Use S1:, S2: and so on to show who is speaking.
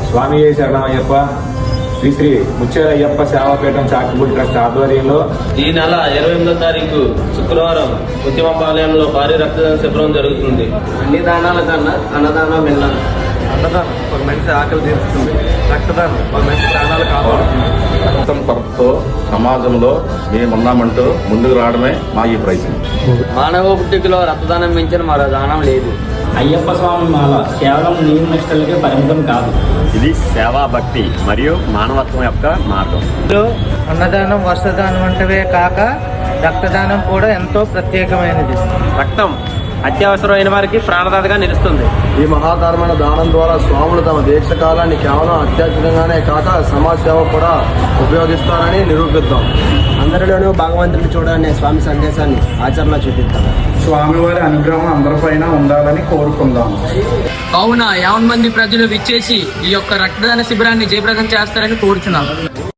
S1: స్వామి శరణమయ్యప్ప శ్రీ శ్రీ ముచ్చేల అయ్యప్ప సేవాపీఠం చాకిపూడి ట్రస్ట్ ఆధ్వర్యంలో
S2: ఈ నెల 28వ తారీఖు శుక్రవారం ఉద్యమపాలయంలో భారీ రక్తదాన శిబిరం జరుగుతుంది.
S3: అన్ని దానాల కన్నా అన్నదానం విన్నా.
S4: అన్నదానం ఒక మనిషి ఆకలి తీరుస్తుంది, రక్తదానం ఒక మనిషి ప్రాణాలు కాపాడుతుంది.
S5: రక్తం కొరతతో సమాజంలో మేమున్నామంటూ ముందుకు రావడమే మా ఈ ప్రయత్నం.
S3: మానవ పుట్టుకలో రక్తదానం మించిన మరో దానం లేదు.
S6: అయ్యప్ప స్వామి మాల కేవలం నియమ నిష్టలకే పరిమితం కాదు.
S7: ఇది సేవా భక్తి మరియు మానవత్వం యొక్క మార్గం.
S8: అన్నదానం వస్త్రదానం వంటివే కాక రక్తదానం కూడా ఎంతో ప్రత్యేకమైనది.
S2: రక్తం అత్యవసరమైన వారికి ప్రాణదాతగా నిలుస్తుంది.
S4: ఈ మహాతరమైన దానం ద్వారా స్వాములు తమ దీక్ష కాలాన్ని కేవలం అత్యధికంగానే కాక సమాజ సేవ కూడా ఉపయోగిస్తారని నిరూపిద్దాం.
S3: అందరిలోనూ భగవంతుని చూడాలనే స్వామి సందేశాన్ని ఆచరణ చూపిద్దాం.
S9: స్వామివారి అనుగ్రహం అందరిపైన ఉండాలని కోరుకుందాం.
S8: కావున 50 మంది ప్రజలు విచ్చేసి ఈ యొక్క రక్తదాన శిబిరాన్ని జయప్రదం చేస్తారని కోరుచున్నాం.